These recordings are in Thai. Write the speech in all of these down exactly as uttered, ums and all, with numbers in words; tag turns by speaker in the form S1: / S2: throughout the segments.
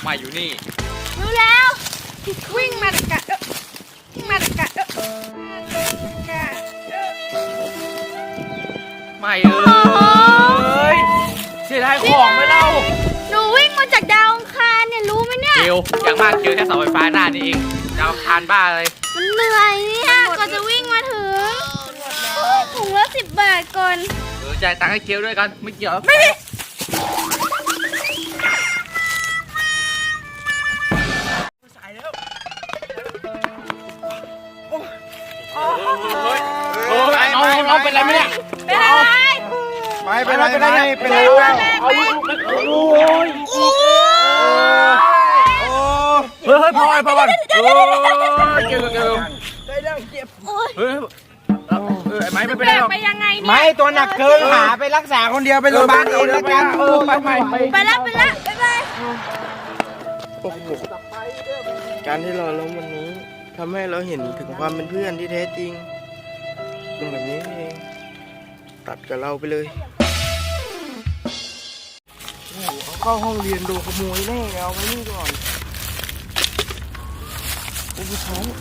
S1: มาอยู่นี่
S2: รู้แล้ววิ่งมาตะกะวิ่งมาตะกะ
S1: ไม่เอ้ยเสียดายของไปเล่า
S2: หนูวิ่งมาจากดาวอังคารเนี่ยรู้ไหมเนี่ย
S1: เกียวอย่างมากเกียวแค่เสาไฟฟ้าหน้านี่เองดาวอังคารบ้าเลย
S2: มันเหนื่อยเนี่ยก่อนจะวิ่งมาถึงถุงละสิบบาทก่อน
S1: เออจ่ายตังค์ให้เกียวด้วยกันไม่เกี่ยว
S2: ไม่ได้
S1: โอ้ยน้องน้องเป็นไรไหมเนี่ย
S2: เป็นอะไร
S3: ไม่เป็นไรเป็นไรเป็นไร
S1: เอาลูกโอ้ยโอ้เฮ้ยเฮ้ยพอไอ้พอก่อนโอ้ยเกี่ยวเกี่ยว
S3: ได้ดังเจ็บ
S1: เฮ้ยเออไอ้ไม้ไม่เป็นไรหรอก
S2: ไปยังไงเนี่ย
S3: ไม่ตัวหนักเกินหาไปรักษาคนเดียวไปโรงพยาบาลเองแล้วกัน
S1: เออไปไป
S2: ไปแล้วไปแล้วไปไป
S3: โอ้โหการที่เราล้มวันนี้ทำให้เราเห็นถึงความเป็นเพื่อนที่แท้จริงเป็นแบบนี้เองตัดกับเราไปเลยโอ้โหเขาเข้าห้องเรียนโดนขโมยแน่เอาไปนี่ก่อนโอ้โหท้อง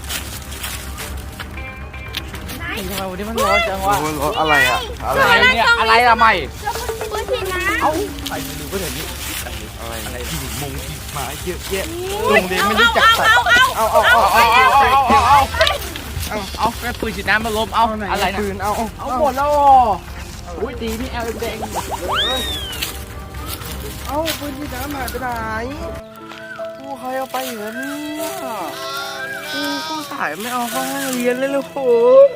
S1: ทำไมวันนี้มันร้อนจังวะ
S3: อะไรอ่ะ
S1: อะไรเนี่ยอะไรละไม่
S2: ปืนฉีดน้ำ
S1: เอ้าไปดูก็เห็นนี่อะไรอะไรที่มงที่มาเยอะแยะ
S3: โรงเรียนไม่รู้จักตัด
S2: เอาเอาเอา
S1: เอาเอาเอาเอาเอาเอาเอาแม่ปืนฉีดน้ำมาล้มเอาอะไรนะ
S3: ปืนเอา
S1: เอาหมดแล้วอุ้ยตีนี่แอลแดง
S3: เอาปืนฉีดน้ำหายไปไหนกูใครเอาไปเหรอเนี่ยกูก็สายไม่เอาเข้าห้องเรียนเลยลูกโห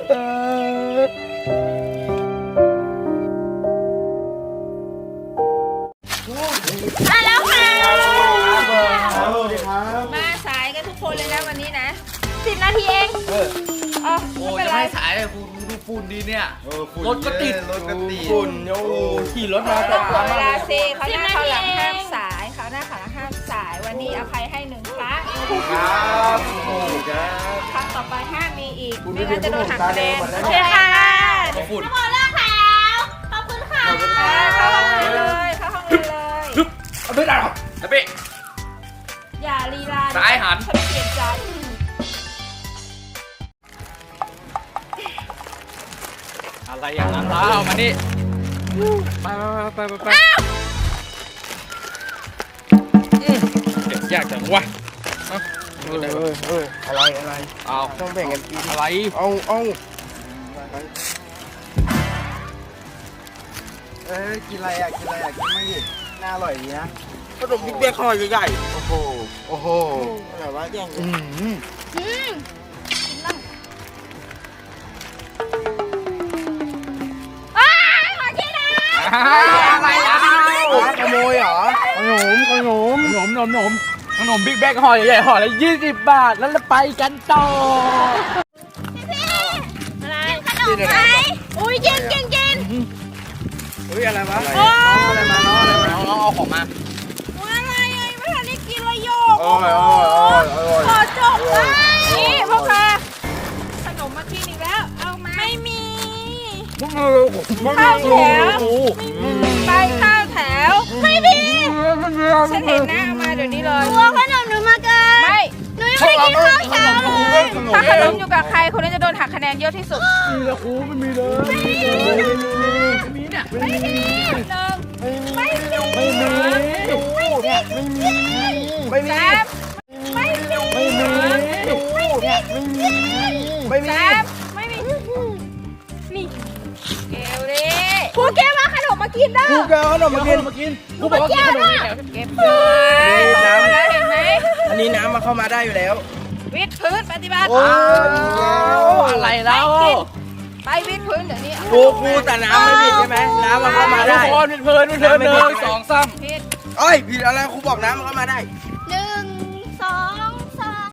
S2: มาแล้วค่ะ
S3: สวัสดีครับ
S2: มาสายกันทุกคนเลยนะวันนี้นะสิบนาทีเองเออ
S1: โอ้จะไม่สายเลยกูดูฝุ่นดีเนี่ยรถก็ติด
S3: รถก็ติดฝุ่นโอ้ขี่รถมาแต่
S2: เวลาเซเขาหน้าเขาหลังห้ามสายเขาหน้าเขาหลังห้ามสายวันนี้อภัยให้หนึ่งครั้ง
S3: ครับโอ้ครับ
S2: ครั้งต่อไปห้ามมีอีกไม่งั้นจะโดนหักคะแนนโอเคค่ะทุกคนเลิกแล้วขอบคุณค่ะเข้าห้องเลยเข้าห้องเลย
S1: ไม่ได้หรอกนะพี่
S2: อย่าลีลา
S1: สายหัน
S2: ฉันเปลี่ยนใจ
S1: อะไรอย่างนั้นเล่ามานี่ไปไปไปไปเก็บยากจังวะ
S3: เออเออเอออะไรอะไร
S1: เอา
S3: ต้องแบ่งกันกิน
S1: อะไร
S3: เอาเอาเอ้ยกินอะไรอ่ะกินอะไรอ่ะกินไม่ดิน่าอร่อยดีนะขนมบิ๊กเบี้ยคอใหญ่ๆโอ้โหโอ้โหอะไรวะแย่งอืมอืม
S1: อะไรอ่ะ
S3: ขโมยเหรอขนมขนม
S1: ขนมขนมขนมบิ๊กแบกห่อใหญ่ๆห่อละยี่สิบบาทแล้วเราไปกันต่อ
S2: อะไรขนมไหมอุ้ยเย็นเย็นเย็น
S3: เฮ้ยอะไรวะน้องอะไรมาน้องอะไรมา
S1: น้องเอาของมา
S2: อะไรไอ้ไม่ทันได้กินเลยโยก
S3: โอ้ยโอ้ยโอ้ยโอ้ย
S2: ขอจบไปนี่พ่อค้าขนมมากินอีกแล้วเอามาไม่มีข้าวแถวไปข้าวแถวไม่มีฉันเห็นนะเอามาเดี๋ยวนี้เลยตัวขนมหนูมาเกินไม่หนูยังไม่กินข้าวเช้าเลยถ้าขนมอยู่กับใครคนนั้นจะโดนหักคะแนนเยอะที่สุด
S3: มีแล้วครูไม่มีเลย
S1: ไม่มีเนี่ย
S2: ไม่มีไม่มี
S3: ไม่มี
S2: ไม่มี
S3: ไม่มี
S2: ไม่มี
S3: ไม่มีไม่มีไม่มี
S2: ไม่มีนี่เกลดิครูแก้วมาขนมมากินได้
S3: ครูแก้วขนมมากินมากิน
S1: ครูบอกว่ากินขนมนี่แล้ว
S2: เก็บเลยน้ำแล้วเห็นไหม
S3: อันนี้น้ำมาเข้ามาได้อยู่แล้ว
S2: วิดพื้นปฏิบัติ
S1: อะไรแล้ว
S2: ไปวิดพื้นเดี๋ยวนี้
S3: ครูครูแต่น้ำไม่ผิดใช่ไหมน้ำมาเข้ามาได้
S1: ทุกคนวิดพื้นวิดพื้นหนึ่งสองสาม
S3: ผิดเอ้ยผิดอะไรครูบอกน้ำมาเข้ามาได้